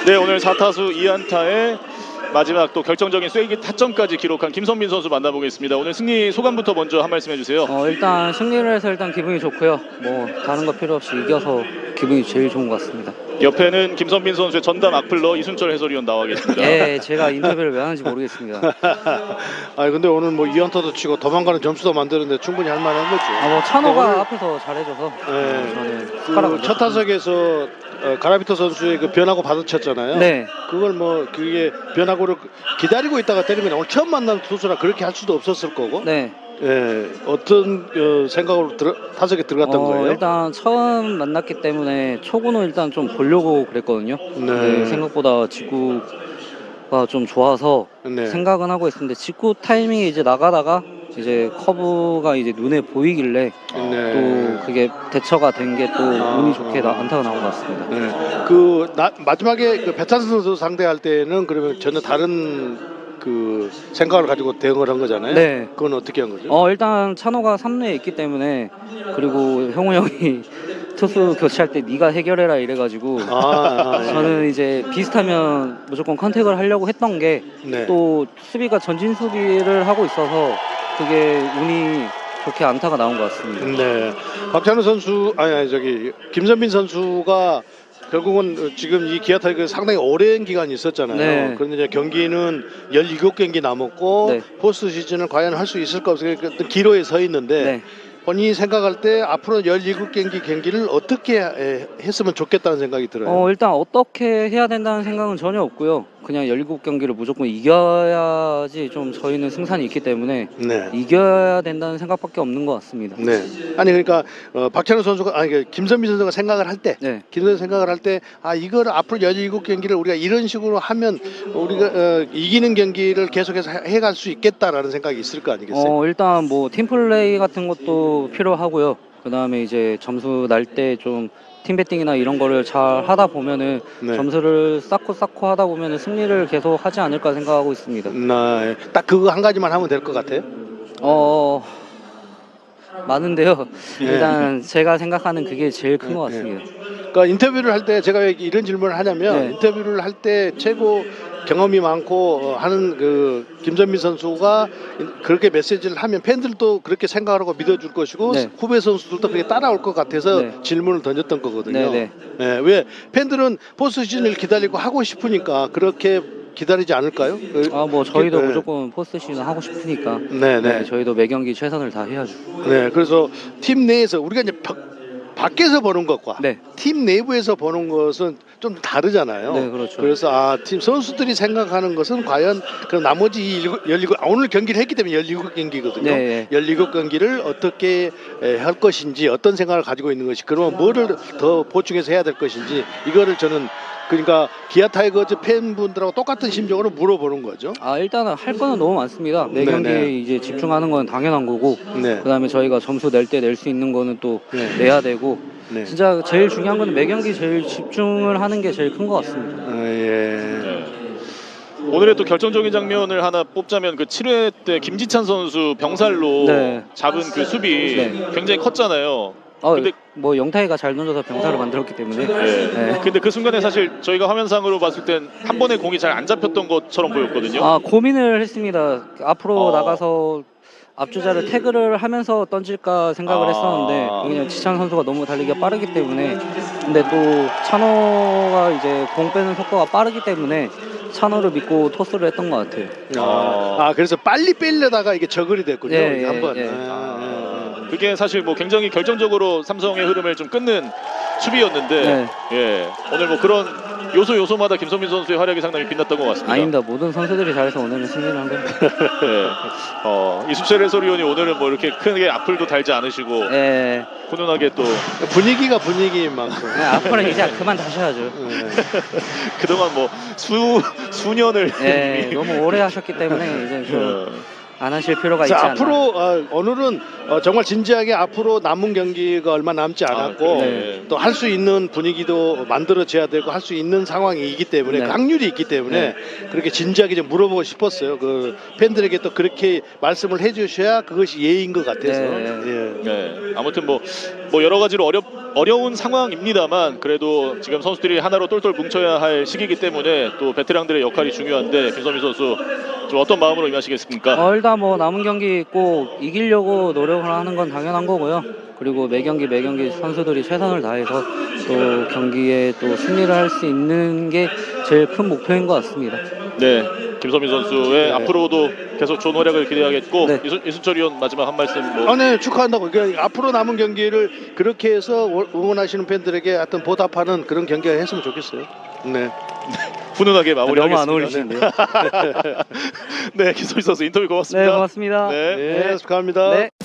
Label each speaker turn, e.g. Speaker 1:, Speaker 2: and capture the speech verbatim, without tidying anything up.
Speaker 1: 네, 오늘 사 타수 이 안타에 마지막 또 결정적인 쐐기 타점까지 기록한 김선민 선수 만나보겠습니다. 오늘 승리 소감부터 먼저 한 말씀 해주세요.
Speaker 2: 어, 일단 승리를 해서 일단 기분이 좋고요. 뭐 다른 거 필요 없이 이겨서 기분이 제일 좋은 것 같습니다.
Speaker 1: 옆에는 김선민 선수의 전담 악플러 이순철 해설위원 나와 계십니다.
Speaker 2: 예, 제가 인터뷰를 왜 하는지 모르겠습니다.
Speaker 3: 아니 근데 오늘 뭐 이 안타도 치고 도망가는 점수도 만드는데 충분히 할 만한 거죠.
Speaker 2: 아, 뭐 찬호가
Speaker 3: 오늘-
Speaker 2: 앞에서 잘해줘서
Speaker 3: 네.
Speaker 2: 저는 숟가락을
Speaker 3: 그 첫 타석에서 어, 가라비토 선수의 그 변화구 받아쳤잖아요.
Speaker 2: 네.
Speaker 3: 그걸 뭐 그게 변화구를 기다리고 있다가 때리면 오늘 처음 만난 투수라 그렇게 할 수도 없었을 거고.
Speaker 2: 네.
Speaker 3: 예, 어떤 어, 생각으로 들어, 타석에 들어갔던
Speaker 2: 어,
Speaker 3: 거예요?
Speaker 2: 일단 처음 만났기 때문에 초구는 일단 좀 보려고 그랬거든요.
Speaker 3: 네.
Speaker 2: 근데 생각보다 직구가 좀 좋아서
Speaker 3: 네.
Speaker 2: 생각은 하고 있었는데 직구 타이밍이 이제 나가다가 이제 커브가 이제 눈에 보이길래
Speaker 3: 네.
Speaker 2: 또 그게 대처가 된 게 또
Speaker 3: 아,
Speaker 2: 운이 좋게 나,
Speaker 3: 아.
Speaker 2: 안타가 나온 것 같습니다.
Speaker 3: 네. 그 나, 마지막에 그 배찬 선수 상대할 때는 그러면 전혀 다른 그 생각을 가지고 대응을 한 거잖아요.
Speaker 2: 네.
Speaker 3: 그건 어떻게 한 거죠?
Speaker 2: 어 일단 찬호가 삼 루에 있기 때문에 그리고 형우 형이 투수 교체할 때 네가 해결해라 이래가지고
Speaker 3: 아, 아, 예.
Speaker 2: 저는 이제 비슷하면 무조건 컨택을 하려고 했던 게 또
Speaker 3: 네.
Speaker 2: 수비가 전진 수비를 하고 있어서 그게 운이 좋게 안타가 나온 것 같습니다.
Speaker 3: 네. 박찬호 선수 아니, 아니 저기 김선민 선수가 결국은 지금 이 기아 타이거 상당히 오랜 기간이 있었잖아요.
Speaker 2: 네.
Speaker 3: 그런데 이제 경기는 열일곱 경기 남았고
Speaker 2: 네.
Speaker 3: 포스트 시즌을 과연 할 수 있을까 없을까 어떤 기로에 서 있는데
Speaker 2: 네.
Speaker 3: 본인이 생각할 때 앞으로 열일곱 경기 경기를 어떻게 해- 했으면 좋겠다는 생각이 들어요.
Speaker 2: 어 일단 어떻게 해야 된다는 생각은 전혀 없고요. 그냥 열일곱 경기를 무조건 이겨야지 좀 저희는 승산이 있기 때문에
Speaker 3: 네.
Speaker 2: 이겨야 된다는 생각밖에 없는 것 같습니다.
Speaker 3: 네. 아니 그러니까 어, 박찬호 선수가 아니 그 김선민 선수가 생각을 할 때,
Speaker 2: 네.
Speaker 3: 김선민 생각을 할 때 아 이거를 앞으로 열일곱 경기를 우리가 이런 식으로 하면 우리가 어, 이기는 경기를 계속해서 해- 해갈 수 있겠다라는 생각이 있을 거 아니겠어요?
Speaker 2: 어 일단 뭐 팀플레이 같은 것도 필요하고요. 그 다음에 이제 점수 날 때 좀 팀배팅이나 이런 거를 잘 하다 보면은
Speaker 3: 네.
Speaker 2: 점수를 쌓고 쌓고 하다 보면은 승리를 계속 하지 않을까 생각하고 있습니다.
Speaker 3: 네. 딱 그거 한 가지만 하면 될 것 같아요.
Speaker 2: 어 많은데요.
Speaker 3: 네.
Speaker 2: 일단 제가 생각하는 그게 제일 큰 것
Speaker 3: 네.
Speaker 2: 같습니다.
Speaker 3: 그러니까 인터뷰를 할 때 제가 왜 이런 질문을 하냐면
Speaker 2: 네.
Speaker 3: 인터뷰를 할 때 최고 경험이 많고 어, 하는 그 김선민 선수가 그렇게 메시지를 하면 팬들도 그렇게 생각하고 믿어줄 것이고
Speaker 2: 네.
Speaker 3: 후배 선수들도 그렇게 따라올 것 같아서
Speaker 2: 네.
Speaker 3: 질문을 던졌던 거거든요.
Speaker 2: 네,
Speaker 3: 예, 왜 팬들은 포스트 시즌을 기다리고 하고 싶으니까 그렇게 기다리지 않을까요? 그-
Speaker 2: 아 뭐 저희도
Speaker 3: 네.
Speaker 2: 무조건 포스트 시즌 하고 싶으니까
Speaker 3: 네, 네.
Speaker 2: 네, 저희도 매 경기 최선을 다해야죠.
Speaker 3: 네, 그래서 팀 내에서 우리가 이제 바, 밖에서 보는 것과
Speaker 2: 네.
Speaker 3: 팀 내부에서 보는 것은 좀 다르잖아요.
Speaker 2: 네, 그렇죠.
Speaker 3: 그래서 아, 팀 선수들이 생각하는 것은 과연 그 나머지 이 열일곱 아, 오늘 경기를 했기 때문에 열일곱 경기거든요.
Speaker 2: 네.
Speaker 3: 열일곱 경기를 어떻게 에, 할 것인지 어떤 생각을 가지고 있는 것이 그러면 뭐를 더 보충해서 해야 될 것인지 이거를 저는 그러니까 기아 타이거즈 팬분들하고 똑같은 심정으로 물어보는 거죠.
Speaker 2: 아 일단은 할 거는 너무 많습니다. 매
Speaker 3: 네,
Speaker 2: 경기에
Speaker 3: 네.
Speaker 2: 이제 집중하는 건 당연한 거고
Speaker 3: 네.
Speaker 2: 그다음에 저희가 점수 낼 때 낼 수 있는 거는 또
Speaker 3: 네.
Speaker 2: 내야 되고
Speaker 3: 네.
Speaker 2: 진짜 제일 중요한 거는 매 경기 제일 집중을 하는 게 제일 큰 것 같습니다.
Speaker 3: 아, 예.
Speaker 1: 네. 오늘의 또 결정적인 장면을 하나 뽑자면 그 칠 회 때 김지찬 선수 병살로
Speaker 2: 네.
Speaker 1: 잡은 그 수비
Speaker 2: 네.
Speaker 1: 굉장히 컸잖아요.
Speaker 2: 어,
Speaker 1: 근데-
Speaker 2: 뭐 영타이가 잘 던져서 병사를 만들었기 때문에
Speaker 1: 네.
Speaker 2: 네.
Speaker 1: 근데 그 순간에 사실 저희가 화면상으로 봤을 땐 한 번에 공이 잘 안 잡혔던 것처럼 보였거든요.
Speaker 2: 아 고민을 했습니다. 앞으로
Speaker 1: 어.
Speaker 2: 나가서 앞주자를 태그를 하면서 던질까 생각을
Speaker 1: 아.
Speaker 2: 했었는데 그냥 지찬 선수가 너무 달리기가 빠르기 때문에 근데 또 찬호가 이제 공 빼는 속도가 빠르기 때문에 찬호를 믿고 토스를 했던 것 같아요.
Speaker 3: 아, 아, 그래서 빨리 빼려다가 이게 저글이 됐군요.
Speaker 2: 예, 예,
Speaker 3: 한번.
Speaker 2: 예.
Speaker 3: 아,
Speaker 1: 그게 사실 뭐 굉장히 결정적으로 삼성의 흐름을 좀 끊는 수비였는데
Speaker 2: 네.
Speaker 1: 예 오늘 뭐 그런 요소 요소마다 김선민 선수의 활약이 상당히 빛났던 것 같습니다.
Speaker 2: 아닙니다. 모든 선수들이 잘해서 오늘은 승리를 한 겁니다.
Speaker 1: 예. 어, 이순철 해설위원이 오늘은 뭐 이렇게 크게 악플도 달지 않으시고
Speaker 2: 예.
Speaker 1: 훈훈하게 또
Speaker 3: 아. 분위기가 분위기인 만큼.
Speaker 2: 네, 앞으로 이제 그만 다셔야죠.
Speaker 3: 예.
Speaker 1: 그동안 뭐 수 수년을
Speaker 2: 예, 너무 오래 하셨기 때문에 이제 좀
Speaker 1: 예.
Speaker 2: 안 하실 필요가 있지
Speaker 3: 자,
Speaker 2: 않나.
Speaker 3: 앞으로 어, 오늘은 어, 정말 진지하게 앞으로 남은 경기가 얼마 남지 않았고
Speaker 1: 아, 네.
Speaker 3: 또 할 수 있는 분위기도 만들어져야 되고 할 수 있는 상황이기 때문에
Speaker 2: 네.
Speaker 3: 확률이 있기 때문에 그렇게 진지하게 좀 물어보고 싶었어요. 그 팬들에게 또 그렇게 말씀을 해주셔야 그것이 예의인 것 같아서.
Speaker 2: 네.
Speaker 3: 예.
Speaker 1: 네. 아무튼 뭐, 뭐 여러 가지로 어렵 어려운 상황입니다만 그래도 지금 선수들이 하나로 똘똘 뭉쳐야 할 시기이기 때문에 또 베테랑들의 역할이 중요한데 김선민 선수 좀 어떤 마음으로 임하시겠습니까?
Speaker 2: 어, 일단 뭐 남은 경기 꼭 이기려고 노력을 하는 건 당연한 거고요. 그리고 매 경기 매 경기 선수들이 최선을 다해서 또 경기에 또 승리를 할 수 있는 게 제일 큰 목표인 것 같습니다.
Speaker 1: 네, 김선민 선수의
Speaker 3: 네.
Speaker 1: 앞으로도 계속 좋은 활약을 기대하겠고
Speaker 2: 네.
Speaker 1: 이순, 이순철 위원 마지막 한 말씀 뭐
Speaker 3: 아, 네, 축하한다고. 그러니까 앞으로 남은 경기를 그렇게 해서 응원하시는 팬들에게 어떤 보답하는 그런 경기가 했으면 좋겠어요. 네.
Speaker 1: 훈훈하게
Speaker 2: 너무
Speaker 1: 마무리하겠습니다.
Speaker 2: 안 어울리시는데요.
Speaker 1: 네, 김선민 선수 인터뷰 고맙습니다.
Speaker 2: 네, 고맙습니다.
Speaker 1: 네.
Speaker 3: 네, 축하합니다.
Speaker 2: 네.